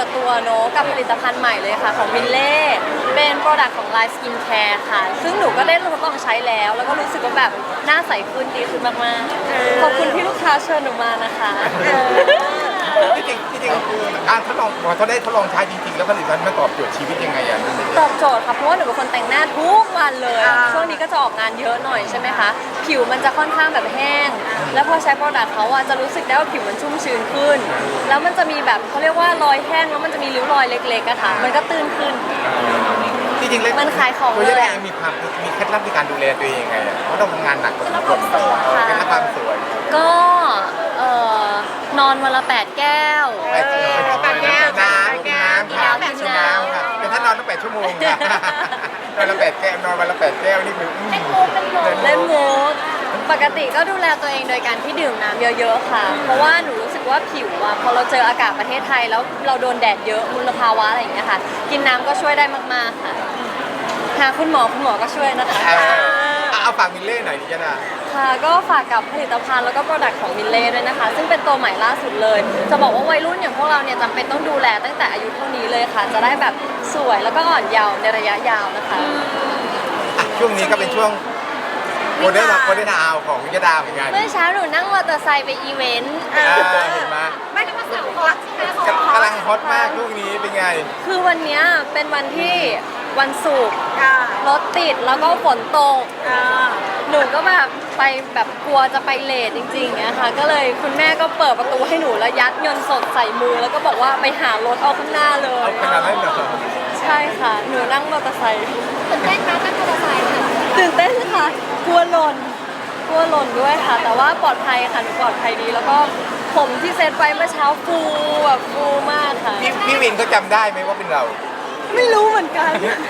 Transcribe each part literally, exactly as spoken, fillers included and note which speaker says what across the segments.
Speaker 1: ดตัวเนอะกับผลิตภัณฑ์ใหม่เลยค่ะของวินเล่เป็นโปรดักต์ของ Line Skin Care ค่ะซึ่งหนูก็ได้ทดลองใช้แล้วแล้วก็รู้สึกว่าแบบหน้าใสขึ้นดีขึ้นมากๆขอบคุณที่ลูกค้าเชิญหนูมานะคะ
Speaker 2: ที่จริงที่จริงการทดลองพอเขาได้ทดลองใช้จริงๆแล้วผลิตภัณฑ์มันตอบโจทย์ชีวิตยังไงอ่ะ
Speaker 1: ตอบโจทย์ค่ะเพราะว่าหนูเป็นคนแต่งหน้าทุกวันเลยช่วงนี้ก็จะออกงานเยอะหน่อยใช่ไหมคะผิวมันจะค่อนข้างแบบแห้งแล้วพอใช้โปรดักต์เขาอ่ะจะรู้สึกได้ว่าผิวมันชุ่มชื้นขึ้นแล้วมันจะมีแบบเขาเรียกว่ารอยแห้งแล้วมันจะมีริ้วรอยเล็กๆอะค่ะมันก็ตื้นขึ้น
Speaker 2: ที่จริงเลย
Speaker 1: มันขายของ
Speaker 2: ตัว
Speaker 1: เลย
Speaker 2: แรกมีความมีเคล็ดลับในการดูแลตัวเองยังไงอ่ะเพราะเราทำงานหนักกว่าทุกคน
Speaker 1: สวยค่ะ
Speaker 2: เคล็ดลับความสวย
Speaker 1: ก็เอ่อนอนวันละแปดแก้ว
Speaker 2: แปดแก้วน้ำน้ำค่ะกินน้ำค่ะแต่ถ้านอนต้องแปดชั่วโมงค่ะนอนละแปดแก้วนอนวันละแปดแก้วนี่คือ
Speaker 1: เล่นมูกปกติก็ดูแลตัวเองโดยการที่ดื่มน้ำเยอะๆค่ะ เพราะว่าหนูรู้สึกว่าผิวอะพอเราเจออากาศประเทศไทยแล้วเราโดนแดดเยอะมลภาวะอะไรอย่างเงี้ยค่ะ กินน้ำก็ช่วยได้มากๆค่ะหาคุณหมอคุณหมอก็ช่วยนะคะ
Speaker 2: เอาฝากมิลเล่หน่อยดิจ้า
Speaker 1: ค่ะก็ฝากกับผลิตภัณฑ์แล้วก็โปรดักต์ของมิลเล่ด้วยนะคะซึ่งเป็นตัวใหม่ล่าสุดเลยจะบอกว่าวัยรุ่นอย่างพวกเราเนี่ยจำเป็นต้องดูแลตั้งแต่อายุเท่านี้เลยค่ะ จะได้แบบสวยแล้วก็อ่อนเยาว์ในระยะยาวนะคะ
Speaker 2: ช่วงนี้ก็เป็นช่วงโมเดลโมเดลดาวของวิจดาเหมือนกัน
Speaker 1: เมื่อเช้าหนูนั่งมอเตอร์ไซค์ไปอีเวนต์
Speaker 2: เห็นไหม
Speaker 3: ไม่ได้มาสาวฮอตใช่ไหม
Speaker 2: กำลังฮอตมากช่วงนี้เป็นไง
Speaker 1: คือวันนี้เป็นวันที่วันศุกร์รถติดแล้วก็ฝนตกหนูก็แบบไปแบบกลัวจะไปเลทจริงๆนะคะก็เลยคุณแม่ก็เปิดประตูให้หนูแล้วยัดเงินสดใส่มือแล้วก็บอกว่าไปหารถเอาข้างหน้าเลย
Speaker 2: เอาขนาดนั้นเหรอ
Speaker 1: ใช่ค่ะหนูนั่งมอเตอร์ไซค์
Speaker 3: ตื่นเต้นไหมนั่งมอเตอร์ไซค์ค่ะ
Speaker 1: ตื่นเต้นค่ะกลัวหล่นกลัวหล่นด้วยค่ะแต่ว่าปลอดภัยค่ะหนูปลอดภัยดีแล้วก็ผมที่เซตไว้เมื่อเช้าฟูแบบฟูมากค่ะ
Speaker 2: พี่พี่วินเขาจำได้ไหมว่าเป็นเรา
Speaker 1: ไม่รู้เหมือนกัน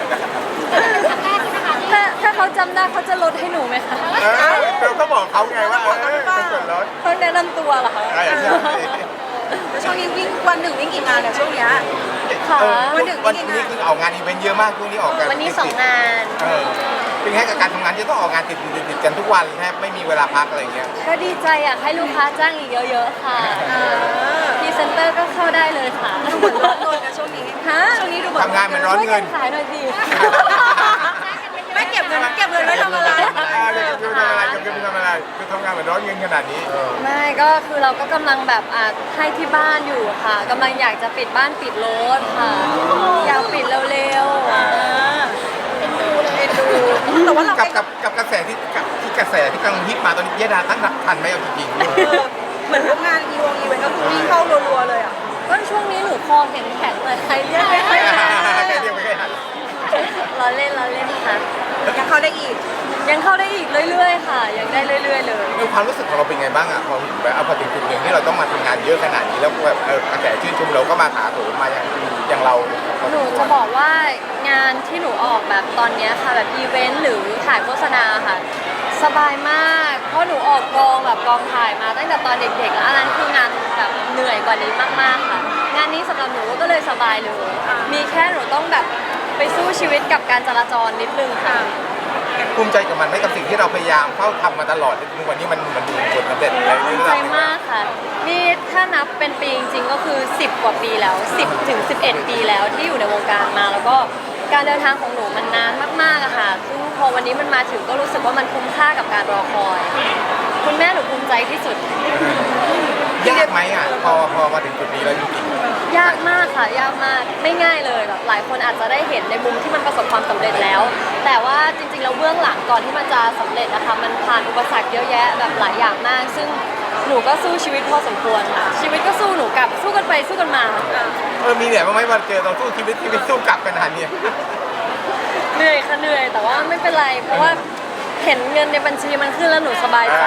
Speaker 1: ถ้าถ้าเขาจำได้เขาจะลดให้หนูไหมคะ
Speaker 2: เราก็บอกเขาไงว่าเออเป็นส่วนลด
Speaker 1: ต้องแนะนำตัวเหรอคะ
Speaker 3: แล้วช่วงนี้วิ่งวันหนึ่งวิ่งกี่งานเนี่ยช่วงนี้
Speaker 1: ค่ะ
Speaker 2: วันหนึ่งวันนี้คือออกงานอีเวนต์เยอะมากช่วงนี้ออกกัน
Speaker 1: วันนี้สองงาน
Speaker 2: เป็นแค่กับการทำงานที่ต้องออกงานติดติดติดกันทุกวันแทบไม่มีเวลาพักอะไรเงี้ย
Speaker 1: ก็ดีใจอยากให้ลูกค้าจ้างอีกเยอะๆค่ะพรีเซนเตอร์ก็เข้าได้เลยค่ะ
Speaker 3: ดูเหมือนร้อนเงินนะช่วงนี้
Speaker 1: ฮะ
Speaker 3: ช่วงนี้ดูเหมือน
Speaker 2: ทำงานมันร้อนเงิน
Speaker 1: ขายหน่อยสิ
Speaker 3: ไม่เก็บเงินเก็บเงินไว้ทำอะไร
Speaker 2: คือทำอะไรคือทำอะไรคือทำงานมันร้อนเงินขนาดนี้
Speaker 1: ไม่ก็คือเราก็กำลังแบบอ่ะให้ที่บ้านอยู่ค่ะกำลังอยากจะปิดบ้านปิดรถค่ะอยากปิดเร็วๆ
Speaker 3: เป็นดูเลยเป็นดูแต่ว่าเรา
Speaker 2: กับกับกับกระแสที่ที่กระแสที่กำลังฮิตมาตอนนี้ยดาตั้งหลักทันไหมเอาจริง
Speaker 3: ๆเหมือนพวกงานอีวงอีเวนต์ก็คือวิ่งเข้ารัวๆเลยอ่ะ
Speaker 1: ก็ช่วงนี้หนูคอแข็งๆเลยใครเรียกไม่ค่อยทัน
Speaker 2: ใครเรียกไม่ค่อยทัน
Speaker 1: ล้อเล่นล้อเล่นค่ะ
Speaker 3: ยังเข้าได้อีก
Speaker 1: ยังเข้าได้อีกเรื่อยๆค่ะยังได้เรื่อยๆเลย
Speaker 2: ในความรู้สึกของเราเป็นไงบ้างอ่ะพอแบบเอาพอถึงจุดหนึ่งที่เราต้องมาทำงานเยอะขนาดนี้แล้วแบบเออกระแสชื่นชมเราก็มาถาโถมมาอย่างอย่างเรา
Speaker 1: หนูจะบอกว่างานที่หนูออกแบบตอนนี้ค่ะแบบอีเวนต์หรือถ่ายโฆษณาค่ะสบายมากเพราะหนูออกกองแบบกองถ่ายมาตั้งแต่ตอนเด็กๆแล้วอันนั้นคืองานแบบเหนื่อยกว่านี้มากๆค่ะงานนี้สำหรับหนูก็เลยสบายเลยมีแค่หนูต้องแบบไปสู้ชีวิตกับการจราจรนิดนึงค่ะ
Speaker 2: ภูมิใจกับมันไหมกับสิ่งที่เราพยายามเข้าทำมาตลอดวันนี้มันมันดูผลสำเร็จอะไร
Speaker 1: ภูมิใจมากค่ะนี่ถ้านับเป็นปีจริงๆก็คือสิบกว่าปีแล้วสิบถึงสิบเอ็ดปีแล้วที่อยู่ในวงการมาแล้วก็การเดินทางของหนูมันนานมากๆอะค่ะซึ่งพอวันนี้มันมาถึงก็รู้สึกว่ามันคุ้มค่ากับการรอคอยคุณแม่หนูภูมิใจที่สุด
Speaker 2: ยากไหมอ่ะพอพอมาถึงจุดนี้แล้วจริง
Speaker 1: ๆยากมากค่ะยากมากไม่ง่ายเลยแบบหลายคนอาจจะได้เห็นในมุมที่มันประสบความสำเร็จแล้วแต่ว่าจริงๆแล้วเบื้องหลังก่อนที่มันจะสำเร็จนะคะมันผ่านอุปสรรคเยอะแยะแบบหลายอย่างมากซึ่งหนูก็สู้ชีวิตพอสมควรค่ะชีวิตก็สู้หนูกลับสู้กันไปสู้กันมา
Speaker 2: เออมีเหนื่อยบ้างไหมวันเจอเราสู้ชีวิตชีวิตสู้กลับกันขนาดนี้
Speaker 1: เหนื่อยค่ะเหนื่อยแต่ว่าไม่เป็นไรเพราะว่าเห็นเงินในบัญชีมันขึ้นแล้วหนูสบายใจ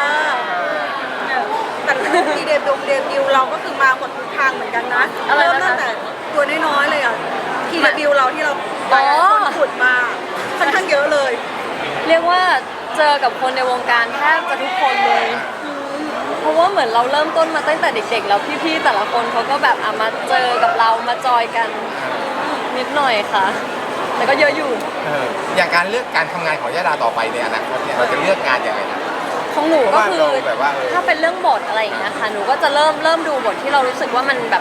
Speaker 3: แต่ทีเดบิวต์เดบิวต์เราก็คือมาหมดทุกทางเหมือนกันนะเริ่มตั้งแต่ตัวน้อยๆเลยอ่ะทีเดบิวต์เราที่เราคนขุดมาค่อนข้างเยอะเลย
Speaker 1: เรียกว่าเจอกับคนในวงการแทบจะทุกคนเลยเพราะว่าเหมือนเราเริ่มต้นมาตั้งแต่เด็กๆแล้วพี่ๆแต่ละคนเขาก็แบบอ่ะมาเจอกับเรามาจอยกันนิดหน่อยค่ะแต่ก็เยอะอยู่
Speaker 2: อย่างการเลือกการทำงานของยดาต่อไปในอนาคตเนี่ยเราจะเลือกงานยังไงนะ
Speaker 1: ของหนูก็คือถ้าเป็นเรื่องบทอะไรอย่างเงี้ยค่ะหนูก็จะเริ่มเริ่มดูบทที่เรารู้สึกว่ามันแบบ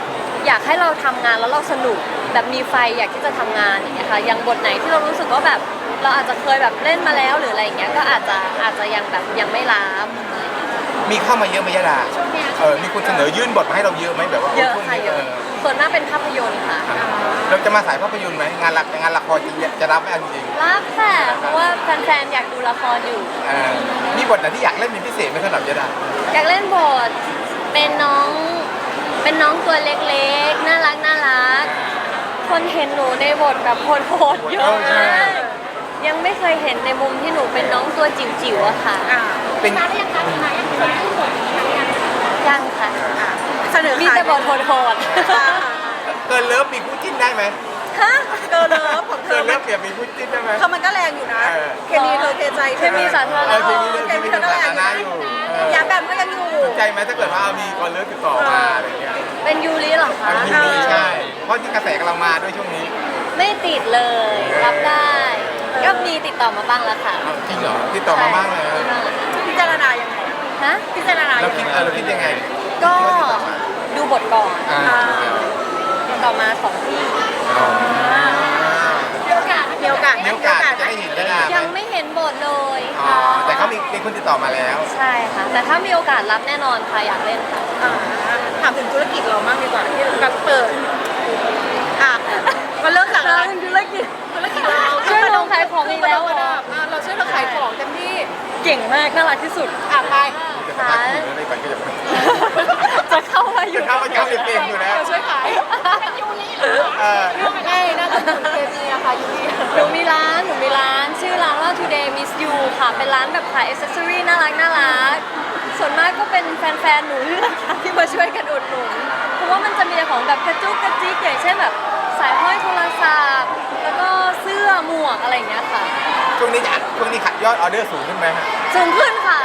Speaker 1: อยากให้เราทำงานแล้วเราสนุกแบบมีไฟอยากที่จะทำงานอย่างเงี้ยค่ะอย่างบทไหนที่เรารู้สึกว่าแบบเราอาจจะเคยแบบเล่นมาแล้วหรืออะไรอย่างเงี้ยก็อาจจะอาจจะยังแบบยังไม่ล้า
Speaker 2: มีเข้ามาเยอะไหมยะดาเออมีคนเสนอยื่นบทมาให้เราเยอะไหมแบบว่า
Speaker 1: เยอะ
Speaker 2: ช่วง
Speaker 1: ค่ะ
Speaker 2: นี้
Speaker 1: เยอะส่วนมากเป็นภาพยนตร์ค่ะ
Speaker 2: เราจะมาสายภาพยนตร์ไหมงานหลักงานละครจริงจะรับไหมเอาจริง
Speaker 1: รับค่ะเพราะว่าแฟนๆอยากดูละครอยู่
Speaker 2: ๆเออมีบทไหนที่อยากเล่นเป็นพิเศษไหมสำหรับยะดา
Speaker 1: อยากเล่นบทเป็นน้องเป็นน้องตัวเล็กๆน่ารักน่ารักคนเห็นหนูในบทแบบโหดๆเยอะมากยังไม่เคยเห็นในมุมที่หนูเป็นน้องตัวจิ๋วๆอะค่ะ
Speaker 3: อ่า
Speaker 2: เป็น
Speaker 4: มาได้ยังคะมายังเคยพูดบทนี้มายัง
Speaker 1: ยังค่ะ
Speaker 3: เสนอ
Speaker 1: มี
Speaker 3: ขาย
Speaker 1: แต่บทโหด
Speaker 3: อ่า
Speaker 2: เกินเลิฟมีคู่จิ้นได้ไหม
Speaker 1: ๆฮะ
Speaker 3: เกินเลิฟของเธ
Speaker 2: เกิ
Speaker 3: อน
Speaker 2: เลิฟเปรียบมีคู่จิ้นได้ไหม
Speaker 3: เธอมันก็แรงอยู่นะ
Speaker 2: เออ
Speaker 3: เคมีเธอเทใจ
Speaker 1: เคมีสาธารณะ
Speaker 2: เออเคมีเคมีสาธารณะอยู่เออ
Speaker 3: อย่าแบบก็ยังอยู่
Speaker 2: สนใจไหมถ้าเกิดว่ามีคนเลิฟติดต่อมาอะไรเงี้ย
Speaker 1: เป็นยูริเหรอคะ
Speaker 2: อันนี้มีใช่เพราะที่กระแสกำลังมาด้วยช่วงนี้
Speaker 1: ไม่ติดเลยรับได้ก็มีติดต่อมาบ้างแล้วค่ะ
Speaker 2: อ้าวจริงเหรอติดต่อมาบ้างเลย
Speaker 1: ใช่มีบ้างแล้ว
Speaker 3: พิจารณายังไง
Speaker 1: ฮะ
Speaker 3: พิจารณา
Speaker 2: เรา
Speaker 3: ยัง
Speaker 2: คิด
Speaker 3: ไง
Speaker 2: เออเราคิดยังไง
Speaker 1: ก็
Speaker 2: ที่ว่าติดต่อมา
Speaker 1: ดูบทก่อน
Speaker 2: อ่า
Speaker 1: ติดต่อมาสองที่
Speaker 2: อ๋อ
Speaker 3: มีโอกาสมีโอกาส
Speaker 2: มีโอกาสจะได้เห็นได้
Speaker 1: ยังไม่เห็นบทเลย
Speaker 2: อ๋อแต่เขามีมีคนติดต่อมาแล้ว
Speaker 1: ใช่ค่ะ แต่ถ้ามีโอกาสรับแน่นอนค่ะอยากเล่นค่ะ
Speaker 3: อ่าถามถึงธุรกิจเราบ้างดีกว่าที่แบบเปิดอ่ะมันเริ่มจากอะไร
Speaker 1: ธุรกิจ
Speaker 3: ธุรกิจเรา
Speaker 1: ช่วยลงขายของอีกแล้วเหรอ
Speaker 3: อ่ะเราช่วยเราขายของเต็มที่
Speaker 1: เก่งมากน่ารักที่สุด
Speaker 3: อ่ะไป
Speaker 2: จะสัมภาษณ์คุณอะไรก่อนก็จะ
Speaker 1: จะเข้ามาอยู่
Speaker 2: จะเข้ามาย้ำเองอยู่แล้ว
Speaker 3: เราช่วยขาย
Speaker 4: เป็นยูริเหรอ
Speaker 2: เออ
Speaker 3: ง่ายน่าจะถึงเคมีอะค่ะยูนี
Speaker 1: หนูมีร้านหนูมีร้านชื่อร้านว่า Today Miss You ค่ะ เป็นร้านแบบขายอ c เซสซอรี่น่ารักน่ารักส่วนมากก็เป็นแฟนๆ หนูนี่แหละค่ะที่มาช่วยกันอุดหนุน เพราะว่ามันจะมีของแบบกระจุกกระจิกอย่างเช่นแบบสายห้อยโทรศัพท์ แล้วก็เสื้อหมวกอะไรอย่างเงี้ยค่ะ
Speaker 2: ช่วงนี้จะช่วงนี้ขัดยอดออเดอร์สูงขึ้นไหมฮะ
Speaker 1: สูงขึ้นค่ะ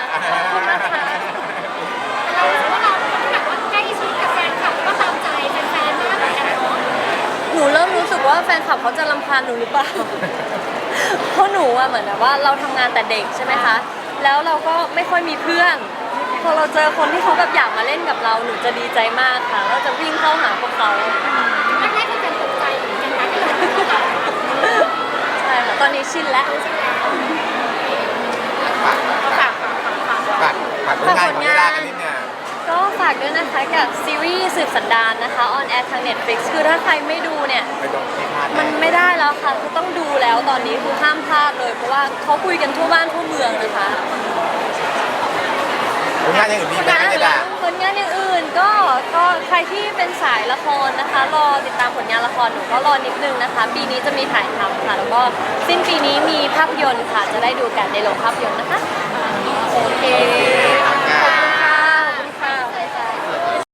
Speaker 4: เรารู้สึกว่าเราเป็นคนที่แบบว่าใกล้ชิดกับแฟนคลับก็ตามใจแฟนๆมากเหมือนกันเนาะ
Speaker 1: หนูเริ่มรู้สึกว่าแฟนคลับเขาจะรำคาญหนูหรือเปล่า เพราะหนูอะเหมือนแบบว่าเราทำงานแต่เด็กใช่ไหมคะ แล้วเราก็ไม่ค่อยมีเพื่อน พอเราเจอคนที่เขาแบบอยากมาเล่นกับเราหนูจะดีใจมากค่ะเราจะวิ่งเข้าหาพวกเขา
Speaker 4: แรกๆแฟนๆตกใจเหมือนกันนะที่เราเป็นข่าว
Speaker 1: ใช่ค่ะ ตอนนี้ชินแล้ว
Speaker 2: ฝาก
Speaker 3: ฝาก
Speaker 2: ฝากฝากผลงานของยาดากันนิดเนี่ย
Speaker 1: ก็ฝากด้วยนะคะกับซีรีส์สืบสันดานนะคะออนแอร์ทาง Netflix คือถ้าใครไม่ดูเนี่ย
Speaker 2: ไม่ต้องไม่พลาด
Speaker 1: มันไม่ได้แล้วค่ะคือต้องดูแล้วตอนนี้คือห้ามพลาดเลย เพราะว่าเขาคุยกันทั่วบ้านทั่วเมืองนะคะ
Speaker 2: ผลงานอย่างอื่นมีไหมยาดา
Speaker 1: ผลงานอย่างอื่นก็ก็ใครที่เป็นสายละครนะคะ รอติดตามผลงานละครหนูก็รอนิดนึงนะคะ ปีนี้จะมีถ่ายทำค่ะ แล้วก็สิ้นปีนี้มีภาพยนตร์ค่ะ จะได้ดูกันในโรงภาพยนตร์นะคะ
Speaker 3: โอเค